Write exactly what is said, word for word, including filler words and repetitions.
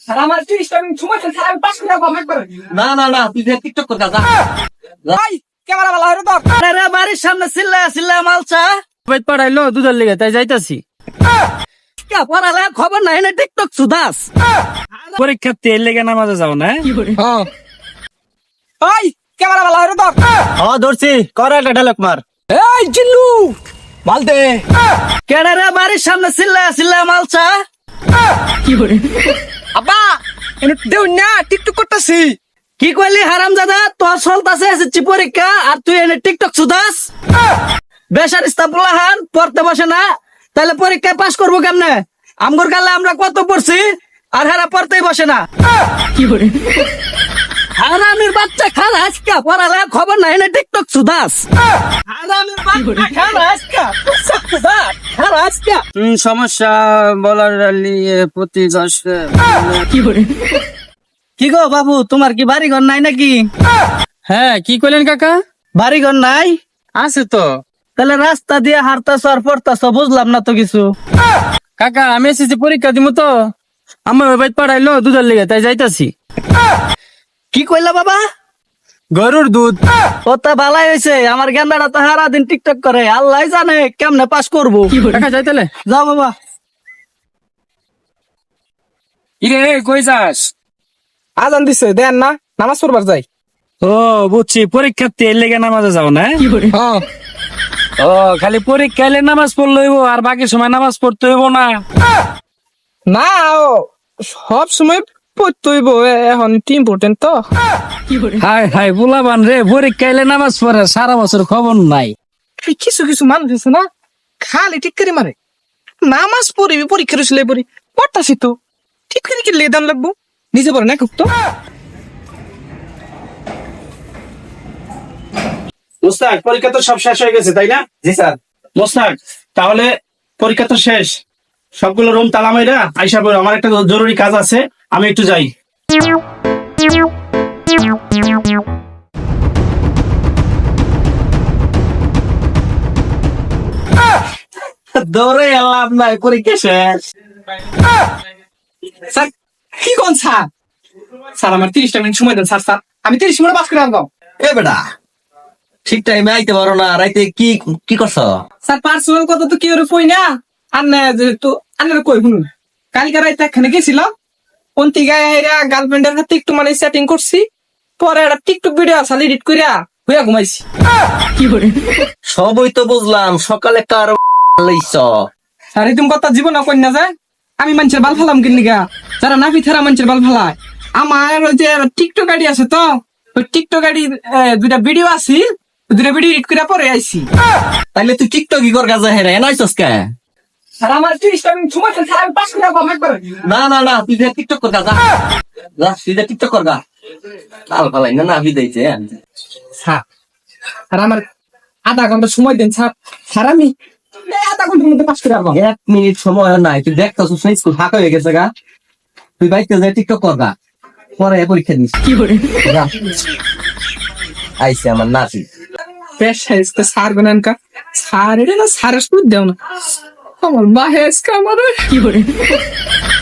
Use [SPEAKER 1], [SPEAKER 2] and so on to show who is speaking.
[SPEAKER 1] Sir আমার ত্রিশটা minute সময় আছে, স্যার আমি পাঁচ মিনিট আগে একবার
[SPEAKER 2] না না না তুই যে টিকটক কর যা
[SPEAKER 1] ভাই ক্যামেরা ভালো হয়ে তো
[SPEAKER 2] আরে বাড়ির সামনে চিল্লা চিল্লা মালছা
[SPEAKER 3] বাইত পাঠাইলো দুধের লেগে তাই যাইতাছি।
[SPEAKER 2] কা পড়ালে খবর নাই না টিকটক সুদাস
[SPEAKER 3] পরীক্ষা তেল লেগে নামাজে যাও না?
[SPEAKER 1] হ্যাঁ ভাই ক্যামেরা ভালো হয়ে তো
[SPEAKER 3] ও ধরছি কর একটা ডায়লগ মার।
[SPEAKER 1] এই জিল্লু মালতে
[SPEAKER 2] কেন রে বাড়ির সামনে চিল্লা চিল্লা মালছা
[SPEAKER 1] আব্বা এনে দেউ না টিকটক করতেছি।
[SPEAKER 2] কি কইলি হারামজাদা তোর চলতাছে এসএসসি পরীক্ষা আর তুই এনে টিকটক সুদাস বেশার ইস্তাবুল্লাহান পড়তে বসে না তাহলে পরীক্ষায় পাস করবো কেমনে? আমগর কালে আমরা কত পড়ছি আর হেরা পড়তেই বসে না। কি করে হারামির বাচ্চা খান আজকা পড়ালে খবর নাই না টিকটক সুদাস হারামির বাচ্চা খান আজকা সুদাস খান আজকা
[SPEAKER 3] হম সমস্যা বলার নিয়ে প্রতি দশ
[SPEAKER 2] কি করে কি গো বাবু তোমার কি বাড়ি ঘর নাই নাকি?
[SPEAKER 3] হ্যাঁ কি কইলেন কাকা?
[SPEAKER 2] বাড়ি ঘর নাই?
[SPEAKER 3] আছে তো
[SPEAKER 2] তাহলে রাস্তা দিয়ে হারতাছ আর পড়তাছ বুঝলাম না তো কিছু।
[SPEAKER 3] কাকা আমি এসেছি পরীক্ষা দিব তো আমার বাইত পাঠাইলো দুধের লেগে তাই যাইতাছি।
[SPEAKER 2] কি কইলা বাবা?
[SPEAKER 3] গরুর দুধ।
[SPEAKER 2] ওটা ভালাই হয়েছে আমার গেন্দাটা তো সারা দিন টিকটক করে আল্লাহ জানে কেমনে পাস করবো।
[SPEAKER 3] কাকা যাই তাহলে
[SPEAKER 2] যাও বাবা।
[SPEAKER 3] ইরে কই যাস?
[SPEAKER 1] আজান দিছে দেন না নামাজ পড়বার যাই।
[SPEAKER 3] ও বুঝছি পরীক্ষা তেল লেগে নামাজে যাও না?
[SPEAKER 1] হ্যাঁ
[SPEAKER 3] ও খালি পরীক্ষা এলে নামাজ পড়লে হইব আর বাকি সময় নামাজ পড়তে হইব না?
[SPEAKER 1] না ও সব সময় পড়তে হইব, এখন ইম্পর্টেন্ট তো।
[SPEAKER 3] হাই হাই বুলাবান রে পরীক্ষা এলে নামাজ পড়ে সারা বছর খবর নাই।
[SPEAKER 1] এই কিছু কিছু মানুষ আছে না খালি ঠিক করে মারে নামাজ পড়িবি পরীক্ষার ছেলে পড়ি পড়তাছি তো ঠিক করে কি লেদান লাগবো নিজে পড়ে না খুব তো।
[SPEAKER 4] মোস্তাক পরীক্ষা তো সব শেষ হয়ে গেছে তাই না?
[SPEAKER 2] জি স্যার।
[SPEAKER 4] মোস্তাক তাহলে পরীক্ষা তো শেষ, সবগুলো রুম তালা মাইরা আইসা পড়ো, আমার একটা জরুরি কাজ আছে, আমি একটু যাই।
[SPEAKER 2] দৌড়ে এলাম নাই পরীক্ষা শেষ।
[SPEAKER 1] স্যার কি কোন স্যার স্যার আমার তিরিশটা মিনিট সময় দেন স্যার স্যার আমি তিরিশ মিনিট পাস করে আনবো।
[SPEAKER 2] এ বেটা ঠিক টাইমে আইতে পারো না, রাইতে কি কি করছ?
[SPEAKER 1] স্যার পার্সোনাল কথা তো কি ওরে কই না আর না যেহেতু আনার কই শুনুন কালকে রাইতে এখানে গেছিলাম অন্তি গায়ে হেরা গার্লফ্রেন্ডের হাতে একটু মানে সেটিং করছি, পরে একটা টিকটক ভিডিও আছে এডিট কইরা হইয়া ঘুমাইছি।
[SPEAKER 2] কি করে সবই তো বুঝলাম, সকালে কার লইছ?
[SPEAKER 1] স্যার এই তুমি কথা জীবন কই না যায় আমি মানুষের বাল ফালাম কিনলিগা যারা নাফি থারা মানুষের বাল ফালায়। আমার ওই যে টিকটক আইডি আছে তো ওই টিকটক আইডি দুইটা ভিডিও আছে দুইটা ভিডিও এডিট কইরা পরে আইছি।
[SPEAKER 2] তাইলে তুই টিকটক ই কর কাজে হেরা এনাইছস কে?
[SPEAKER 1] স্যার আমার তিরিশটা মিনিট সময় আছে, স্যার আমি পাস করে আনবো একবার।
[SPEAKER 2] না না না তুই যে টিকটক কর যা যা তুই যে টিকটক কর গা লাল ফালাই না না বিদাইছে।
[SPEAKER 1] স্যার আর আমার আধা ঘন্টা সময় দেন স্যার স্যার আমি এই আধা ঘন্টার মধ্যে পাস করে আনবো।
[SPEAKER 2] এক মিনিট সময় নাই, তুই দেখতাছিস না স্কুল ফাঁকা হয়ে গেছে গা, তুই বাইতে যে টিকটক কর গা পরে পরীক্ষা দিস। কি করে আইছে আমার নাতি
[SPEAKER 1] বেশ হাইস্তে স্যার গুনানকা স্যার এটা না স্যারের সুদ দেও না আমার মা হেসকা আমার কি করে